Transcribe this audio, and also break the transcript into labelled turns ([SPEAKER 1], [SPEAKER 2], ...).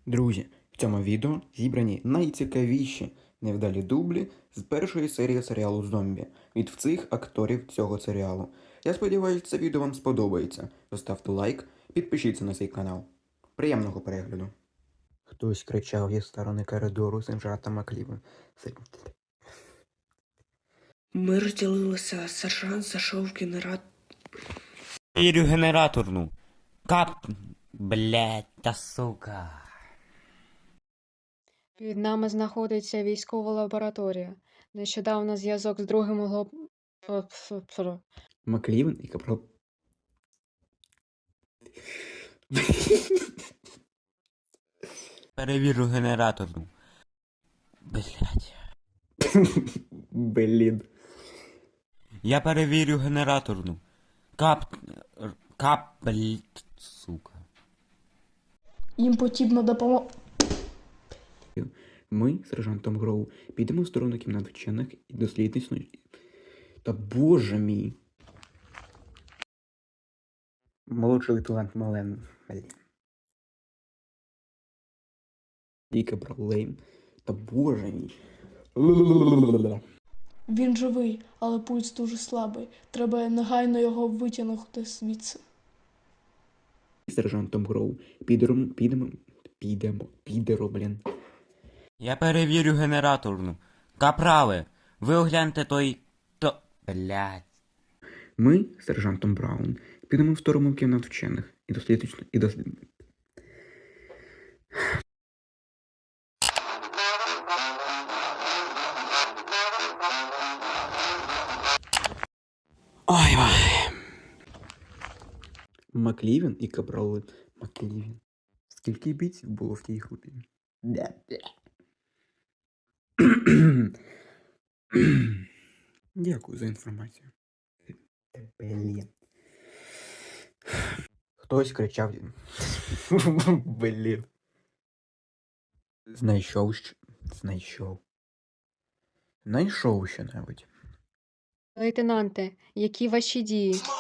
[SPEAKER 1] Друзі, в цьому відео зібрані найцікавіші невдалі дублі з першої серії серіалу «Зомбі» від всіх акторів цього серіалу. Я сподіваюся, це відео вам сподобається. Поставте лайк, підпишіться на цей канал. Приємного перегляду. Хтось кричав зі сторони коридору сержанта Макліва.
[SPEAKER 2] Ми розділилися, сержант зайшов в генератор.
[SPEAKER 3] Вірю генераторну. Кап... Блять, та сука.
[SPEAKER 4] Під нами знаходиться військова лабораторія. Нещодавно зв'язок з другим
[SPEAKER 1] Маклівен і капрал...
[SPEAKER 3] Перевірю генераторну. Блять.
[SPEAKER 1] Блін.
[SPEAKER 3] Я перевірю генераторну. Блять, сука.
[SPEAKER 2] Їм потрібна допомога.
[SPEAKER 1] Ми з сержантом Гроу підемо в сторону кімнат вчених і дослідництво. Та боже мій. Молодший лейтенант Мален. Блін. І капрал Лейн. Та боже мій.
[SPEAKER 5] Він живий, але пульс дуже слабий. Треба негайно його витягнути звідси.
[SPEAKER 1] З сержантом Гроу підемо, блін.
[SPEAKER 3] Я перевірю генераторну. Капрале, ви огляньте Блять.
[SPEAKER 1] Ми з сержантом Браун підемо в сторону кімнат вчених і дослідництво. Ой. Маклівен і капрал Маклівен. Скільки бійців було в тій групі? Дякую за інформацію. Блін. Хтось кричав. Блін. Знайшов що-небудь.
[SPEAKER 4] Лейтенанте, які ваші дії?